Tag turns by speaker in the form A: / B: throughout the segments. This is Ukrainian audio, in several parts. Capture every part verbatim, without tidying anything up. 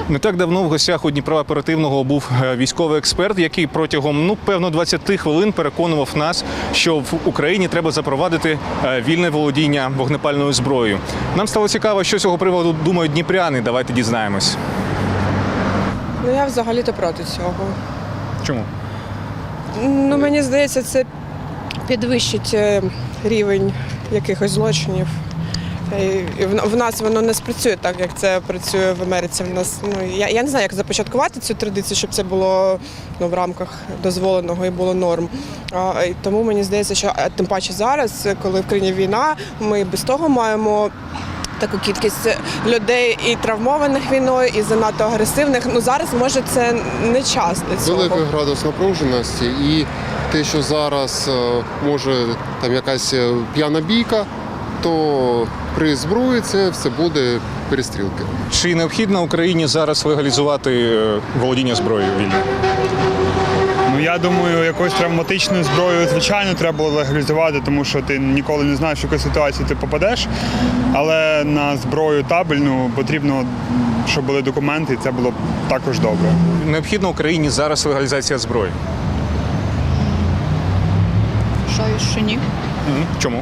A: Не так давно в гостях у Дніпра оперативного був військовий експерт, який протягом, ну, певно, двадцяти хвилин переконував нас, що в Україні треба запровадити вільне володіння вогнепальною зброєю. Нам стало цікаво, що з цього приводу думають дніпряни. Давайте дізнаємось.
B: Ну, я взагалі-то проти цього.
A: Чому?
B: Ну, мені здається, це підвищить рівень якихось злочинів. І в нас воно не спрацює так, як це працює в Америці. В нас, ну, я, я не знаю, як започаткувати цю традицію, щоб це було, ну, в рамках дозволеного і було норм. А, і тому мені здається, що тим паче зараз, коли в країні війна, ми без того маємо таку кількість людей і травмованих війною, і занадто агресивних. Ну, зараз, може, це не час для цього.
C: Великий градус напруженості і те, що зараз може там якась п'яна бійка, то при зброї це все буде перестрілки.
A: Чи необхідно Україні зараз легалізувати володіння зброєю вільно?
D: Ну, я думаю, якоюсь травматичною зброєю, звичайно, треба було легалізувати, тому що ти ніколи не знаєш, в яку ситуацію ти попадеш. Але на зброю табельну потрібно, щоб були документи, і це було б також добре.
A: Необхідно Україні зараз легалізація зброї?
E: Вважаю, що ні.
A: Чому?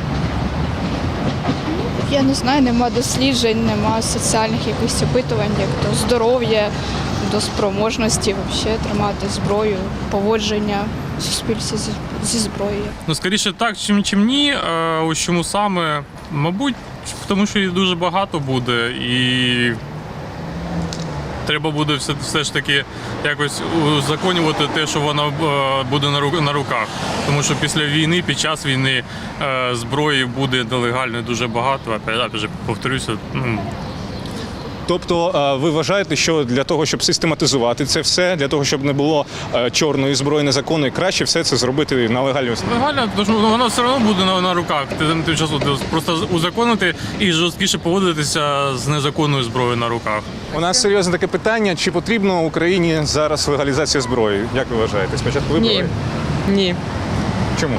E: Я не знаю, нема досліджень, нема соціальних якихось опитувань, як до здоров'я, до спроможності взагалі тримати зброю, поводження в суспільстві зі, зі зброєю.
F: Ну, скоріше так, чим, чим ні. Е, ось чому саме? Мабуть, тому що їх дуже багато буде і треба буде все, все ж таки якось узаконювати те, що вона буде на руках. Тому що після війни, під час війни зброї буде нелегально дуже багато. Опять же, повторюся, ну,
A: Тобто ви вважаєте, що для того, щоб систематизувати це все, для того, щоб не було чорної зброї незаконної, краще все це зробити на легальній основі?
F: Легально, тому що воно все одно буде на, на руках. Тим часом просто узаконити і жорсткіше поводитися з незаконною зброєю на руках.
A: У нас серйозне таке питання, чи потрібно Україні зараз легалізація зброї? Як ви вважаєте? Спочатку ви
B: Ні. Ні.
A: Чому?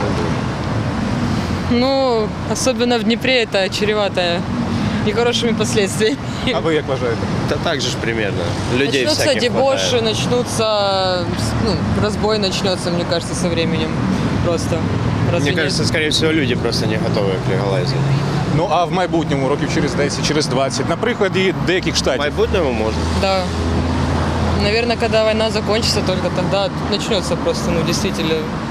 G: Ну, особенно в Днепре это чревато нехорошими последствиями.
A: А ви як вважаєте?
H: Да так же ж примерно. Людей
G: Начнутся
H: всяких
G: дебоши,
H: хватает.
G: начнутся, ну, разбой начнется, мне кажется, со временем. Просто. Разве
H: Мне
G: нет?
H: кажется, скорее всего, люди просто не готовы к легалайзу.
A: Ну, а в майбутньому, років через десять, через двадцять, на прикладі деяких
H: В
A: штатів?
H: майбутньому можно.
G: Да. Наверное, когда война закончится, только тогда начнется просто, ну, действительно,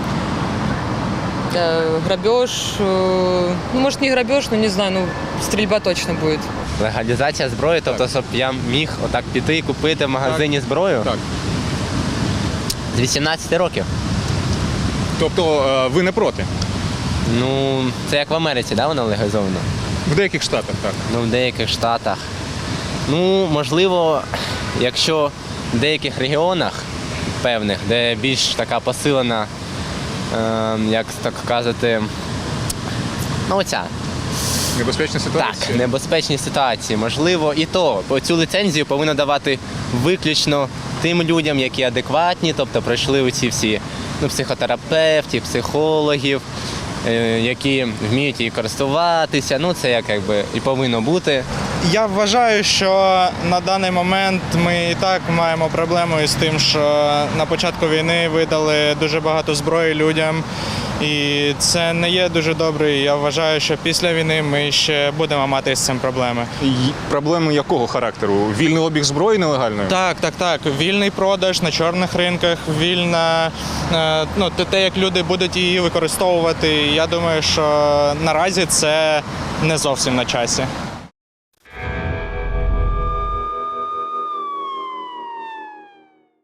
G: э, грабеж, э, ну, может, не грабеж, но не знаю, ну, стрельба точно будет.
I: Легалізація зброї, тобто, щоб я міг отак піти і купити в магазині зброю?
A: Так.
I: З вісімнадцяти років.
A: Тобто ви не проти?
I: Ну, це як в Америці, да, воно легалізовано?
A: В деяких штатах, так.
I: Ну, в деяких штатах. Ну, можливо, якщо в деяких регіонах певних, де більш така посилена, е, як так казати, ну, оця.
A: Небезпечна ситуація?
I: Так, небезпечні ситуації. Можливо, і то. Цю ліцензію повинно давати виключно тим людям, які адекватні, тобто пройшли оці всі, ну, психотерапевтів, психологів, е, які вміють її користуватися. Ну, це як якби і повинно бути.
J: Я вважаю, що на даний момент ми і так маємо проблему із тим, що на початку війни видали дуже багато зброї людям. І це не є дуже добре. Я вважаю, що після війни ми ще будемо мати з цим проблеми.
A: І проблеми якого характеру? Вільний обіг зброї нелегальної?
J: Так, так, так. Вільний продаж на чорних ринках, вільна, е, ну, те, як люди будуть її використовувати. Я думаю, що наразі це не зовсім на часі.